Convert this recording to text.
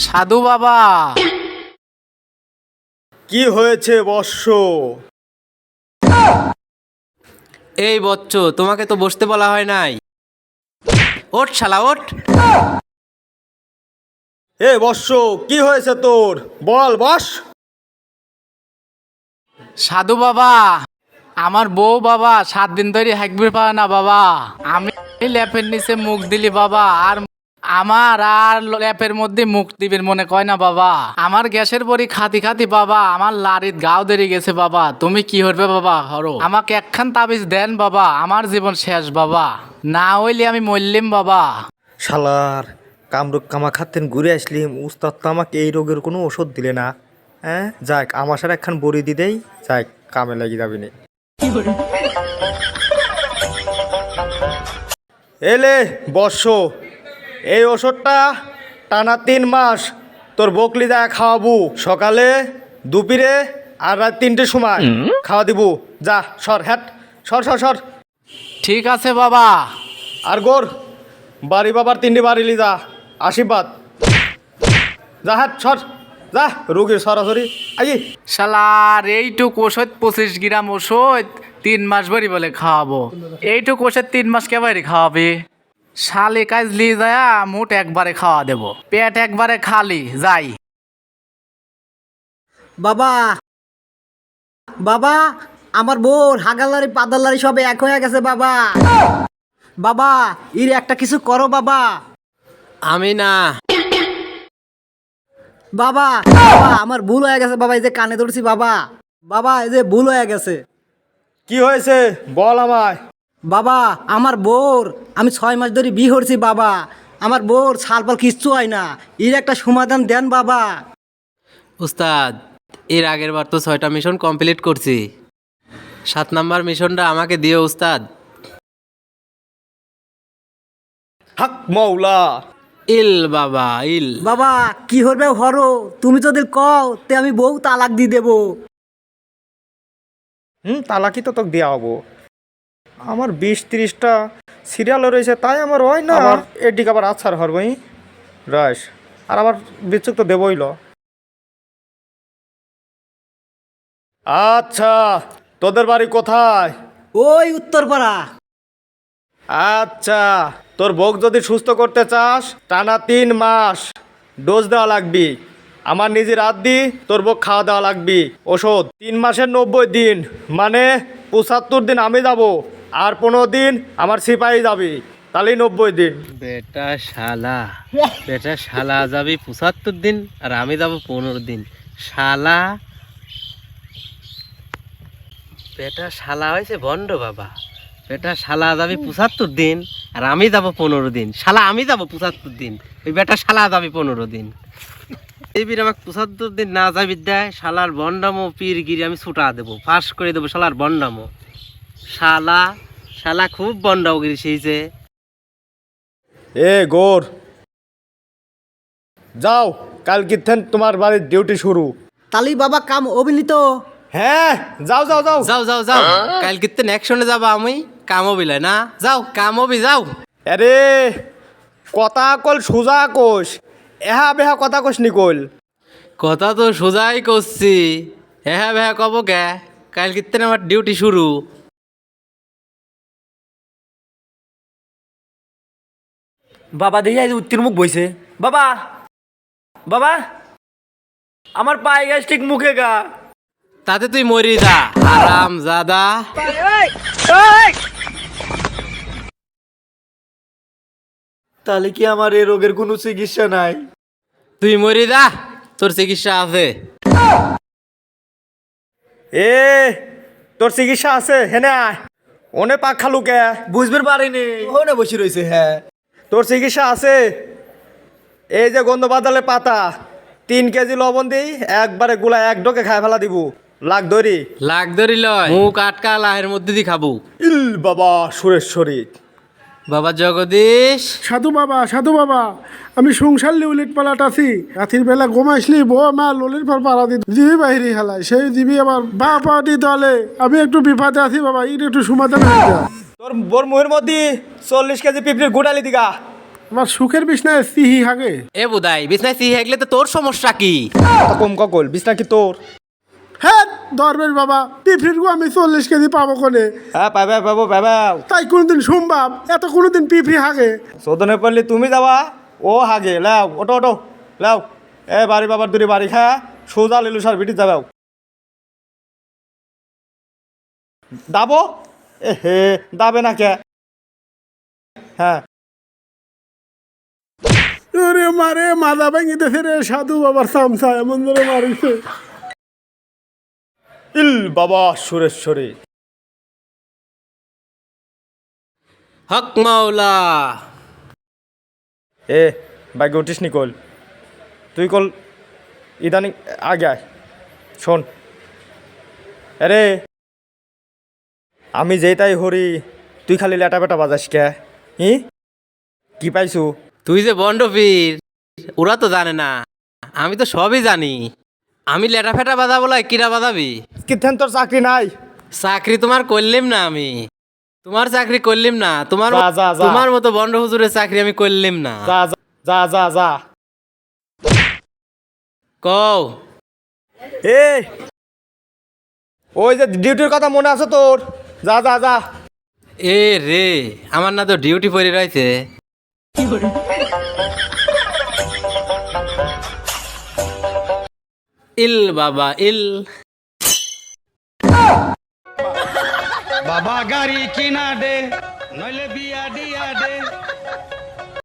সাধু বাবা। কি হয়েছে বৎস? এই বচ্চ, তোমাকে তো বসতে বলা হয় নাই। ওঠ শালা ওঠ। এ বৎস, কি হয়েছে তোর? বল বস। সাধু বাবা, আমার বউ বাবা 7 দিন ধরে হাঁকবে পায় না বাবা। আমি ল্যাপের নিচে মুখ দিলি বাবা, আর আমার আর ল্যাপের মধ্যে মুখ দিবেন মনে কয় না বাবা। আমার গ্যাসের বড়ি খাতি খাতি বাবা, আমার লারিত গাও দেরি গেছে বাবা। তুমি কি করবে বাবা? হরো আমাকে একখান তাবিজ দেন বাবা, আমার জীবন শেষ বাবা, না হইলে আমি মরলিম বাবা। শালার কামরূপ কামা খাতেন ঘুরে আসলিম, উস্তাদ তো আমাকে এই রোগের কোনো ওষুধ দিলে না। হ্যাঁ যাক, আমার সাথে একখান বড়ি দি দেই, যাক কামে লাগি যাবি না। এলে বর্ষ, এই ওষুধটা টানা 3 মাস তোর বকলি দেয় খাওয়াবু, সকালে দুপুরে আর রাত 3টের সময় খাওয়া দিবু। যা সর, হ্যাট সর সর সর। ঠিক আছে বাবা। আর গোর বাড়ি বাবার 3টি বাড়িলি যা, আশীর্বাদ। যা হ্যাট সর, যা রোগীর সরাসরি আই। শালার এইটুক ওষুধ 25 গ্রাম ওষুধ 3 মাস বাড়ি বলে খাওয়াবো। এইটুক ওষুধ 3 মাস কে বাড়ি খাওয়াবে? শালি কাজ লি যায় মুঠ একবারে খাওয়া দেবো, পেট একবারে খালি যাই। বাবা, বাবা, আমার বোর হাগালারি পাদালারি সব এক হয়ে গেছে বাবা। বাবা, এর একটা কিছু করো বাবা। আমি না। বাবা, বাবা, আমার ভুল হয়ে গেছে বাবা, এই যে কানে ধরছি বাবা। বাবা, এই যে ভুল হয়ে গেছে। কি হয়েছে বল আমায়। বাবা, আমার বোর আমি 6 মাস ধরে বিয়ে করছি বাবা। আমার বোর ছালপাল কিচ্ছু হয় না, এর একটা সমাধান দেন বাবা। উস্তাদ, এর আগের বার তো 6টা মিশন কমপ্লিট করছি, 7 নাম্বার মিশনটা আমাকে দিও উস্তাদ। হক মৌলা। ইল বাবা ইল। বাবা, কি করবে হরো, তুমি যদি কও তে আমি বউ তালাক দিয়ে দেবো। তালাকি তো তোকে দেওয়া হবো। আমার 20-30টা সিরিয়ালও রয়েছে, তাই আমার হয় না। আমার এদিক আবার আছাড় হরবই রাস, আর আমার বিচ্ছুক তো দেবই ল। আচ্ছা, তোদের বাড়ি কোথায়? ওই উত্তরপাড়া। আচ্ছা, তোর বউক যদি সুস্থ করতে চাস টানা 3 মাস ডোজ দেওয়া লাগবি। আমার নিজের হাত দি তোর বউক খাওয়া দেওয়া লাগবি ওষুধ। 3 মাসের 90 দিন মানে 75 দিন আমি যাব, আর 15 দিন আমার সিপাহি যাবি, তাহলেই 90 দিন। বেটা শালা যাবি 75 দিন আর আমি যাব 15 দিন। শালা বেটা শালা হয়েছে ভণ্ড বাবা। বেটা শালা যাবি 75 দিন আর আমি যাব 15 দিন। শালা আমি যাব 75 দিন, ওই বেটা শালা যাবি 15 দিন। এই বীর আমাকে 75 দিন না যাবি দেয়, শালার বন্ডামো পীরগিরি আমি ছুটা দেবো, ফাঁস করে দেবো শালার বন্ডামো। শালা শালা খুব বন্ডামগিরি সেই যে। এ গোর, যাও কাল কিথেন তোমার বাড়ির ডিউটি শুরু। তালি বাবা কাম অভিনীত। হ্যাঁ যাও যাও যাও। যাও যাও যাও, কাল কিত্তে একসঙ্গে যাবা আমি কামও বিলাই না। যাও কামও বি যাও। আরে কথা কল সোজা কোষ, এহা বেহা কথা কোষ নি কল। কথা তো সোজাই করছি, হ্যাঁ ভ্যাঁ কব কে, কাল কিত্তে আমার ডিউটি শুরু। বাবা দেখি আজ উত্তির মুখ বইছে। বাবা, বাবা, আমার পায়ে গেছ ঠিক মুখে গা। তাতে তুই মরি যা আরাম জাদা। তাহলে কি আমার এই রোগের কোনো চিকিৎসা নাই? তুই মরি যা, তোর চিকিৎসা আছে। এ তোর চিকিৎসা আছে হেনে আয়। ওনে পাক খালু কে বুঝবে পারিনি, ওখানে বসে রয়েছে। হ্যাঁ, তোর চিকিৎসা আছে। এই যে গন্ধ বাদালে পাতা 3 কেজি লবণ দিই, একবারে গুলা এক ঢোকে খায় ফেলা দিব। লাগ ধরি লাগ ধরি লয়, মুখ আটকা লাহের মধ্যে দি খাবো। ইল বাবা সুরেশ্বরী। বাবা জগদীশ। সাধু বাবা, সাধু বাবা, আমি সংসার লিউলিট পালাট আছি। রাতের বেলা ঘুমাইসলি বউ মা ললির পর পাড়া দি দিবি বাহিরে হেলায়, সেই দিবি আবার বা পা দি দলে। আমি একটু বিপদে আছি বাবা, এর একটু সমাধান হয়ে যায়। তোর বোর মুহের মধ্যে 40 কেজি পিঁপড়ির গুড়ালি দিগা। আমার সুখের বিছনায় সিহি হাগে। এ বুদাই বিছনায় সিহি হাগলে তো তোর সমস্যা কি? কম ককল বিছনা কি তোর? হ্যাঁ ধর্মের বাবা, পিঁপড়ির গো আমি 40 কেজি পাবো কোনে? হ্যাঁ পাবে পাবো পাবে। তাই কোনোদিন সম্ভব? এত কোনোদিন পিঁপড়ি হাগে? শোধনে পড়লে তুমি যাবা, ও হাগে। লাও ওটো ওটো লাও। এ বাড়ি বাবার দূরে বাড়ি খা, সোজা লিলু সার বিটি যাবাও। দাবো এ হে দাবে না কে? হ্যাঁ ওরে মারে মাথা ভেঙিতেছে রে, সাধু বাবার সামসা এমন ধরে মারিছে। ইল বাবা সুরেশ্বরী। হক মাওলা। এ বাইকে উঠিস নি কল, তুই কল ইদানিং আগে আয়। শোন আরে আমি যেই তাই হরি, তুই খালি লেটা পেটা বাজাস কে? কি পাইছু? তুই যে বন্ডপীর ওরা তো জানে না, আমি তো সবই জানি। আমি লেটা ফেটা বাজাবো লাই, কিরা বাজাবি? কিথেন তোর চাকরি নাই? চাকরি তোমার করলিম না আমি, তোমার চাকরি করলিম না। তোমার যা, যা, যা। তোমার মতো বন্ড হুজুরের চাকরি আমি করলিম না। যা যা যা যা যা। কও। এ ওই যে ডিউটির কথা মনে আছে তোর? যা যা যা। এ রে আমার না তো ডিউটি পড়ে রয়েছে। ইল বাবা ইল। বাবা গাড়ি কিনা দে, নইলে বিয়া দিয়া দে।